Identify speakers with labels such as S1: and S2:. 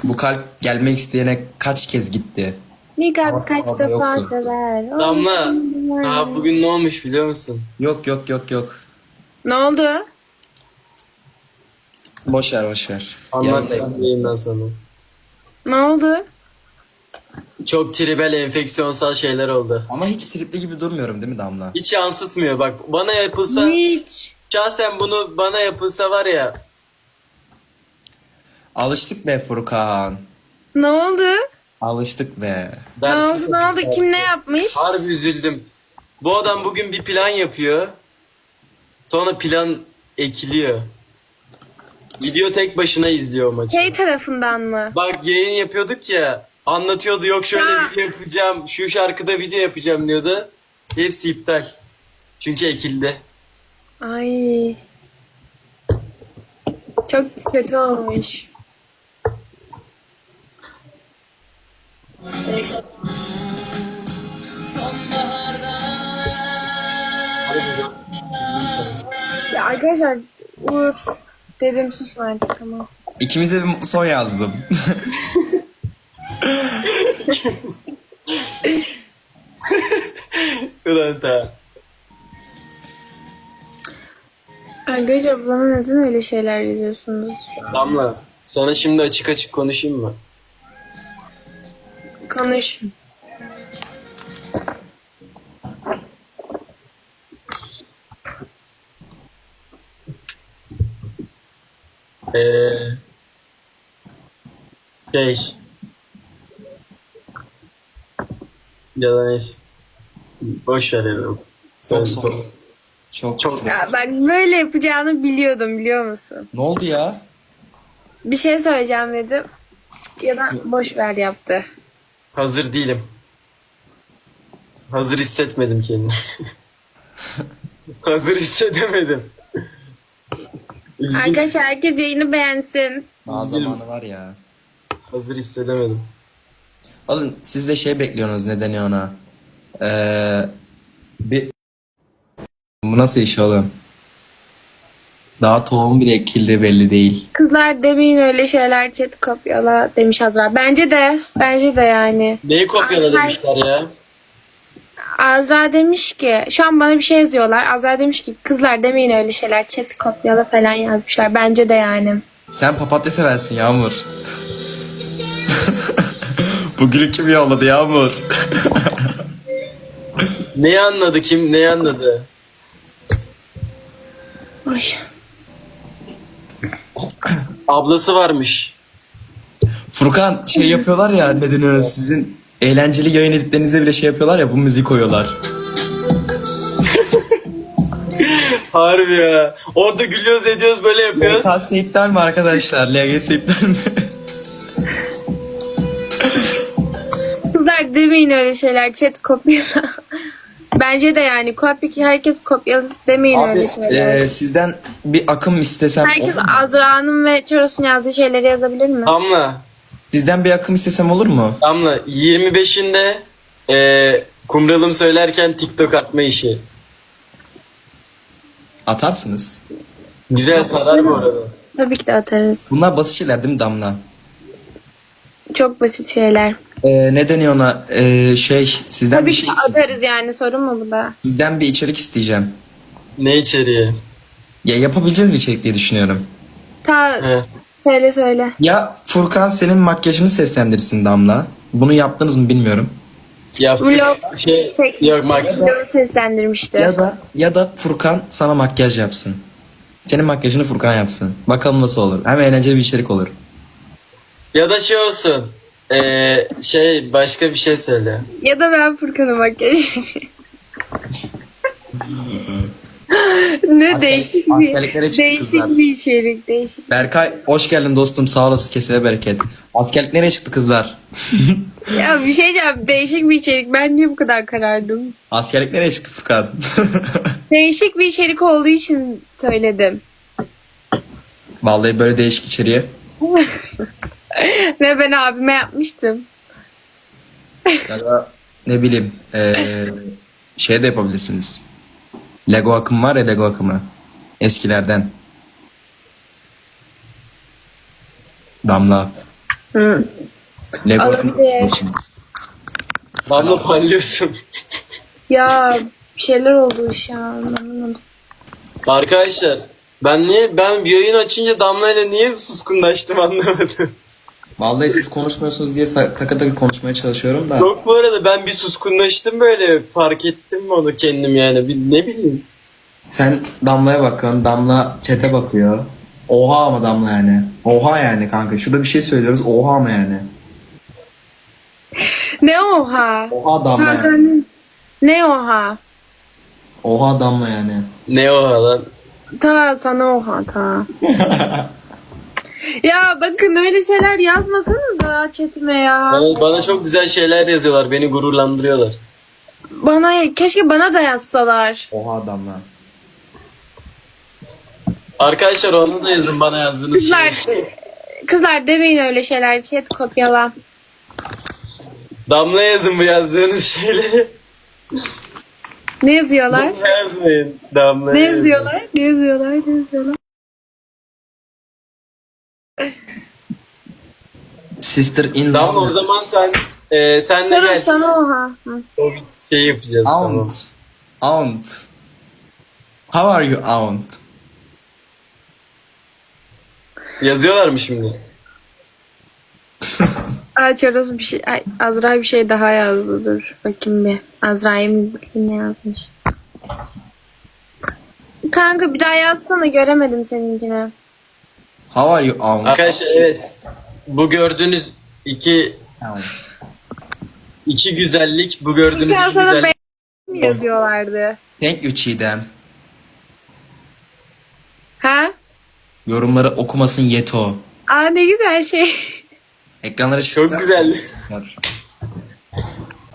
S1: Bu kalp gelmek isteyene kaç kez gitti?
S2: Bir kalp kaç
S1: Ama
S2: defa
S1: yoktu.
S2: sever.
S3: Damla, daha bugün ne olmuş biliyor musun?
S1: Yok yok yok yok.
S2: Ne oldu?
S1: Boş ver boş ver.
S3: Anlatacağım
S1: Yanındayım.
S3: yayından sonra.
S2: Ne oldu?
S3: Çok tribel enfeksiyonsal şeyler oldu.
S1: Ama hiç tripli gibi durmuyorum değil mi Damla?
S3: Hiç yansıtmıyor bak. Bana yapılsa,
S2: Hiç.
S3: şahsen bunu bana yapılsa var ya.
S1: Alıştık be Furkan.
S2: Ne oldu?
S1: Alıştık be.
S2: Ne oldu? Ne oldu? Kim ne yapmış?
S3: Harbi üzüldüm. Bu adam bugün bir plan yapıyor. Sonra plan ekiliyor. Gidiyor tek başına izliyor maçı.
S2: Şey tarafından mı?
S3: Bak yayın yapıyorduk ya. Anlatıyordu yok şöyle
S2: Ya.
S3: video yapacağım. Şu şarkıda video yapacağım diyordu. Hepsi iptal. Çünkü ekildi.
S2: Ay. Çok kötü olmuş. Ya arkadaşlar Uğur dedim susun artık tamam.
S1: İkimize bir mutlu son yazdım.
S3: Ulan ta.
S2: Arkadaşlar bana neden öyle şeyler yazıyorsunuz?
S3: Damla sana şimdi açık açık konuşayım mı?
S2: Konuş.
S3: Ee, şey. Ya da neyse. Boş ver ya. Söyle,
S1: Çok
S3: söyle.
S1: Çok.
S2: Ya bak böyle yapacağını biliyordum biliyor musun?
S1: Ne oldu ya?
S2: Bir şey söyleyeceğim dedim. Ya da boş ver yaptı.
S3: Hazır değilim. Hazır hissetmedim kendimi. Hazır hissedemedim. Üzgün.
S2: Arkadaşlar herkes yayını beğensin.
S1: Daha zamanı var ya.
S3: Hazır hissedemedim.
S1: Oğlum siz de şey bekliyorsunuz ne deniyor ona? Bir... Bu nasıl iş oğlum? Daha tohum bile ekildi belli değil.
S2: Kızlar demeyin öyle şeyler chat kopyala demiş Azra. Bence de. Bence de yani.
S3: Neyi kopyala
S2: Ay.
S3: demişler ya?
S2: Azra demiş ki şu an bana bir şey yazıyorlar. Azra demiş ki kızlar demeyin öyle şeyler chat kopyala falan yazmışlar. Bence de yani.
S1: Sen papatya seversin Yağmur. Bugünü kim yolladı Yağmur?
S3: Neyi anladı kim? Neyi anladı?
S2: Ay.
S3: Ablası varmış.
S1: Furkan şey yapıyorlar ya ne deniyor sizin eğlenceli yayın editlerinize bile şey yapıyorlar ya bu müziği koyuyorlar.
S3: Harbi ya. Orada gülüyoruz ediyoruz böyle yapıyoruz.
S1: LGS iptal mi arkadaşlar? LGS iptal mi?
S2: Kızlar demeyin öyle şeyler chat kopyala. Bence de yani herkes kopyalı demeyin
S1: Abi
S2: öyle şeyler.
S1: sizden bir akım istesem
S2: Herkes
S1: olur mu?
S2: Azra'nın ve Çoros'un yazdığı şeyleri yazabilir mi?
S3: Damla.
S1: Sizden bir akım istesem olur mu?
S3: Damla 25'inde kumralım söylerken TikTok atma işi.
S1: Atarsınız.
S3: Güzel sarar bu arada.
S2: Tabii ki de atarız.
S1: Bunlar basit şeyler değil mi Damla?
S2: Çok basit şeyler.
S1: Ne deniyor ona? Sizden
S2: Tabii
S1: bir
S2: ki
S1: şey
S2: de atarız yani sorun mu bu da?
S1: sizden bir içerik isteyeceğim.
S3: Ne içeriği?
S1: Ya yapabileceğiz bir içerik diye düşünüyorum.
S3: He.
S2: Söyle.
S1: Ya Furkan senin makyajını seslendirsin Damla. Bunu yaptınız mı bilmiyorum.
S3: Yaptık.
S2: Vlog
S3: Yok makyaj.
S2: Vlog seslendirmişti.
S1: Ya da Furkan sana makyaj yapsın. Senin makyajını Furkan yapsın. Bakalım nasıl olur. Hem eğlenceli bir içerik olur.
S3: Ya da şey olsun. Başka bir şey söyle.
S2: Ya da ben Furkan'a makyaj yapayım. Ne değişik
S1: askerliklere
S2: bir,
S1: çıktı
S2: değişik
S1: kızlar.
S2: bir içerik. Değişik.
S1: Berkay hoş geldin dostum. Sağ olasın, kesene bereket. Askerlik nereye çıktı kızlar?
S2: Ya bir şey diyeceğim. Değişik bir içerik. Ben niye bu kadar karardım?
S1: Askerlik nereye çıktı Furkan?
S2: Değişik bir içerik olduğu için söyledim.
S1: Vallahi böyle değişik içeriğe.
S2: Ve ben abime yapmıştım.
S1: Ya da ne bileyim şey de yapabilirsiniz. Lego akımı var ya, Lego akımı. Eskilerden. Damla.
S2: Hı.
S1: Lego
S2: Olabilir.
S1: akım.
S3: Damla parlıyorsun.
S2: Ya bir şeyler oldu iş ya. Anlamadım.
S3: Arkadaşlar ben bir yayın açınca Damla ile niye suskunlaştım anlamadım.
S1: Vallahi siz konuşmuyorsunuz diye taka taka konuşmaya çalışıyorum da.
S3: Yok bu arada ben bir suskunlaştım böyle fark ettim onu kendim yani ne bileyim.
S1: Sen Damla'ya bakıyorsun. Damla chat'e bakıyor. Oha ama Damla yani. Oha yani kanka. Şurada bir şey söylüyoruz. Oha ama yani.
S2: Ne oha?
S1: Oha Damla
S2: Ha,
S1: yani.
S2: sen... Ne oha?
S1: Oha Damla yani.
S3: Ne o lan?
S2: Ta sana oha ta. Ya bakın öyle şeyler yazmasanıza chatime ya.
S3: Bana çok güzel şeyler yazıyorlar beni gururlandırıyorlar.
S2: Keşke bana da yazsalar.
S1: Oha Damla.
S3: Arkadaşlar onu da yazın bana yazdığınız
S2: Kızlar
S3: şey.
S2: kızlar demeyin öyle şeyler. Chat kopyala.
S3: Damla yazın bu yazdığınız şeyleri.
S2: Ne yazıyorlar?
S3: Damla yazmayın. Damla
S2: Ne
S3: yazın.
S2: yazıyorlar? Ne yazıyorlar? Ne yazıyorlar?
S1: Sister in
S3: Damla o zaman sen de
S2: Durun
S3: gel.
S2: sana oha. Hı.
S3: O şey yapacağız tamam.
S1: Aunt. Aunt. How are you aunt?
S3: Yazıyorlar mı şimdi?
S2: Çoroz bir şey. Ay, Azra bir şey daha yazdı. Dur bakayım bir. Azra'ya bir bakayım ne yazmış. Kanka bir daha yazsana göremedim seninkini.
S1: How are you aunt?
S3: Arkadaşlar evet. Bu gördüğünüz
S1: Aunt.
S3: iki güzellik, bu gördüğünüz
S2: Ya
S3: iki
S2: sana
S3: güzellik.
S2: mi yazıyorlardı?
S1: Thank you Çiğdem.
S2: Ha?
S1: Yorumları okumasın Yeto.
S2: Aa ne güzel şey.
S1: Ekranlara
S3: Çok güzel.
S1: çıkacak.